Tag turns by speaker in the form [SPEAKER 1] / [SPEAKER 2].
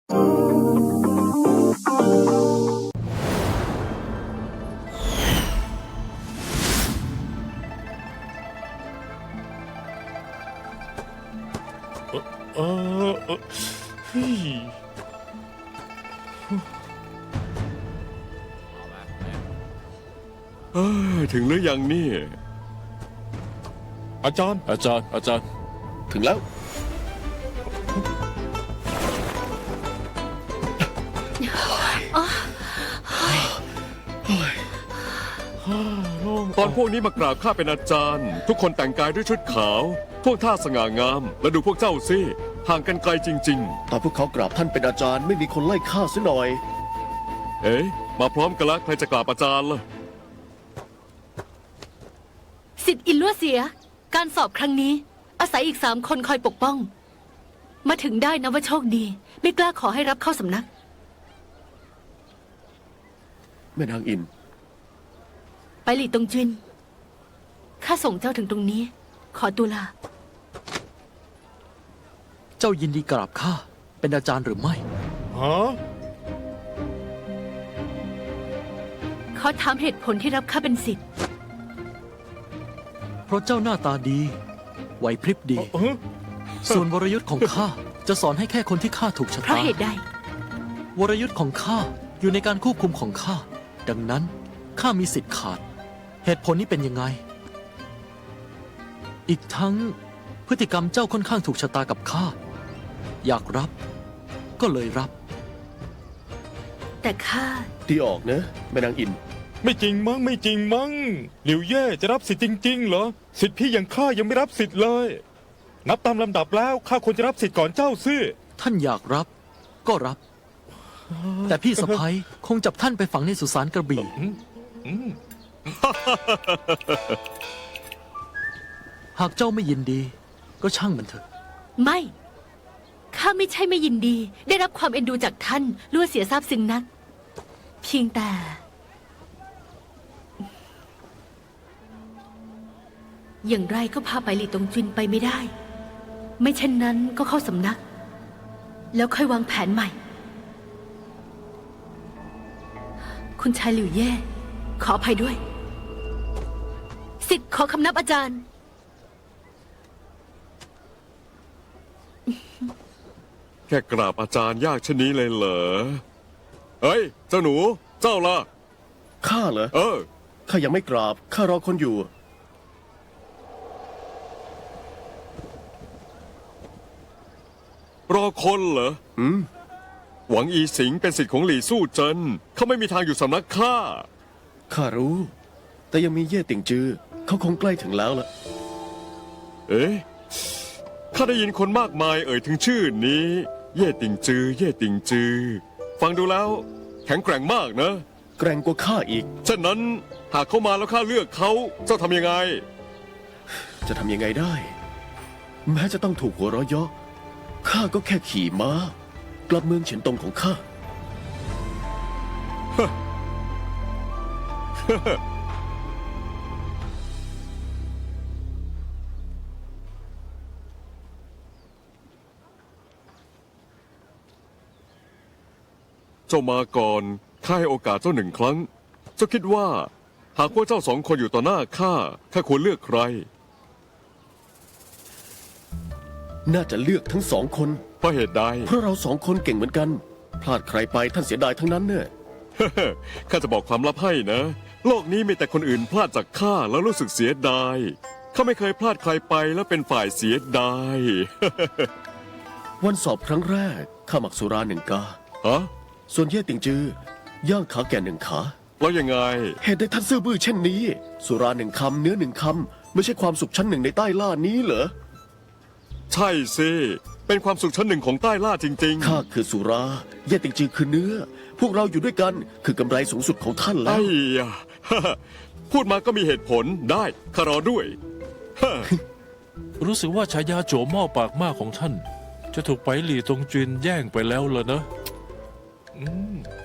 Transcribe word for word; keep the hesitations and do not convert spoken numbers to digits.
[SPEAKER 1] เออเออเฮ้ยเอ้ยถึงหรือยังนี่อาจารย์อาจารย์อาจารย์
[SPEAKER 2] ถึงแล้ว
[SPEAKER 1] ตอนพวกนี้มากราบข้าเป็นอาจารย์ ทุกคนแต่งกายด้วยชุดขาวพวกท่าสง่างามและดูพวกเจ้าสิห่างกันไกลจริง
[SPEAKER 2] ตอนพวกเขากราบท่านเป็นอาจารย์ไม่มีคนไล่ฆ่าซะหน่อย
[SPEAKER 1] ๆเอ๊ะมาพร้อมกันละใครจะกราบอาจารย์ล่ะ
[SPEAKER 3] สิทธิ์อินลัวเสียการสอบครั้งนี้อาศัยอีกสามคนคอยปกป้องมาถึงได้นะว่าโชคดีไม่กล้าขอให้รับเข้าสำนัก
[SPEAKER 2] แม่นางอิน
[SPEAKER 3] ไปหลี่ตงจินข้าส่งเจ้าถึงตรงนี้ขอตัวลา
[SPEAKER 4] เจ้ายินดีกราบข้าเป็นอาจารย์หรือไม่
[SPEAKER 1] ฮะ
[SPEAKER 3] ขอถามเหตุผลที่รับข้าเป็นศิษย์
[SPEAKER 4] เพราะเจ้าหน้าตาดีไหวพริบดีส่วนวรยุทธ์ของข้าจะสอนให้แค่คนที่ข้าถูกชะตา
[SPEAKER 3] เพราะเหตุใด
[SPEAKER 4] วรยุทธ์ของข้าอยู่ในการควบคุมของข้าดังนั้นข้ามีสิทธิ์ขาดเหตุผลนี้เป็นยังไงอีกทั้งพฤติกรรมเจ้าค่อนข้างถูกชะตากับข้าอยากรับก็เลยรับ
[SPEAKER 3] แต่ข้า
[SPEAKER 2] ดีออกนะแม่นางอิน
[SPEAKER 1] ไม่จริงมั้งไม่จริงมั้งหลิวเย่จะรับสิทธิ์จริงๆเหรอสิทธิ์พี่อย่างข้ายังไม่รับสิทธิ์เลยนับตามลำดับแล้วข้าควรจะรับสิทธิ์ก่อนเจ้าซิ
[SPEAKER 4] ท่านอยากรับก็รับแต่พี่สะพ้ยคงจับท่านไปฝังในสุสานกระบี่หากเจ้าไม่ยินดีก็ช่างมันเถอะ
[SPEAKER 3] ไม่ข้าไม่ใช่ไม่ยินดีได้รับความเอ็นดูจากท่านลัวเสียทราบซึ้งนักเพียงแต่อย่างไรก็พาไปหลี่ตงจินไปไม่ได้ไม่เช่นนั้นก็เข้าสำนักแล้วค่อยวางแผนใหม่คุณชายหลิวเย่ขออภัยด้วยสิทธิ์ขอคำนับอาจารย์
[SPEAKER 1] แค่กราบอาจารย์ยากเช่นนี้เลยเหรอเฮ้ยเจ้าหนูเจ้าล่ะ
[SPEAKER 2] ข้าเหรอ
[SPEAKER 1] เออ
[SPEAKER 2] ข้ายังไม่กราบข้ารอคนอยู่
[SPEAKER 1] รอคนเหรอ
[SPEAKER 2] อืม
[SPEAKER 1] หวังอีสิงเป็นศิษย์ของหลี่สู้เจินเขาไม่มีทางอยู่สำนักข้า
[SPEAKER 2] ข้ารู้แต่ยังมีเย่ติ่งจือเขาคงใกล้ถึงแล้วล่ะ
[SPEAKER 1] เอ๊ะข้าได้ยินคนมากมายเอ่ยถึงชื่อนี้เย่ติ่งจือเย่ติ่งจือฟังดูแล้วแข็งแกร่งมากนะ
[SPEAKER 2] แกร่งกว่าข้าอีก
[SPEAKER 1] ฉะนั้นหากเขามาแล้วข้าเลือกเขาเจ้าทำยังไง
[SPEAKER 2] จะทำยังไงได้แม้จะต้องถูกหัวเราะเยาะข้าก็แค่ขี่ม้ากลับเมืองเฉียนตงของข้า
[SPEAKER 1] เจ้ามาก่อนข้าให้โอกาสเจ้าหนึ่งครั้งเจ้าคิดว่าหากว่าเจ้าสองคนอยู่ต่อหน้าข้าข้าควรเลือกใคร
[SPEAKER 2] น่าจะเลือกทั้งสองคน
[SPEAKER 1] เพราะเหตุใด
[SPEAKER 2] เพราะเราสองคนเก่งเหมือนกันพลาดใครไปท่านเสียดายทั้งนั้นเนี่ย
[SPEAKER 1] ข้าจะบอกความลับให้นะโลกนี้มีแต่คนอื่นพลาดจากข้าแล้วรู้สึกเสียดายข้าไม่เคยพลาดใครไปแล้วเป็นฝ่ายเสียดาย
[SPEAKER 2] วันสอบครั้งแรกข้าหมักสุราหนึ่งกา
[SPEAKER 1] ฮะ
[SPEAKER 2] ส่วนเย่ติ่งจือย่างขาแก่หนึ่งขา
[SPEAKER 1] แล้วยังไง
[SPEAKER 2] เหตุใดท่านซื่อบื้อเช่นนี้สุราหนึ่งคำเนื้อหนึ่งคำไม่ใช่ความสุขชั้นหนึ่งในใต้ล่านี้เหรอ
[SPEAKER 1] ใช่สิเป็นความสุขชั้นหนึ่งของใต้ล่าจริง
[SPEAKER 2] ๆข้าคือสุราเย่ติ่งจือคือเนื้อพวกเราอยู่ด้วยกันคือกำไรสูงสุดของท่านแล้ว
[SPEAKER 1] ไอ้ยะพูดมาก็มีเหตุผลได้ข้ารอด้วย
[SPEAKER 5] รู้สึกว่าฉายาโจหม้อปากมากของท่านจะถูกไปหลี่ตงจินแย่งไปแล้วเหรอนะอืม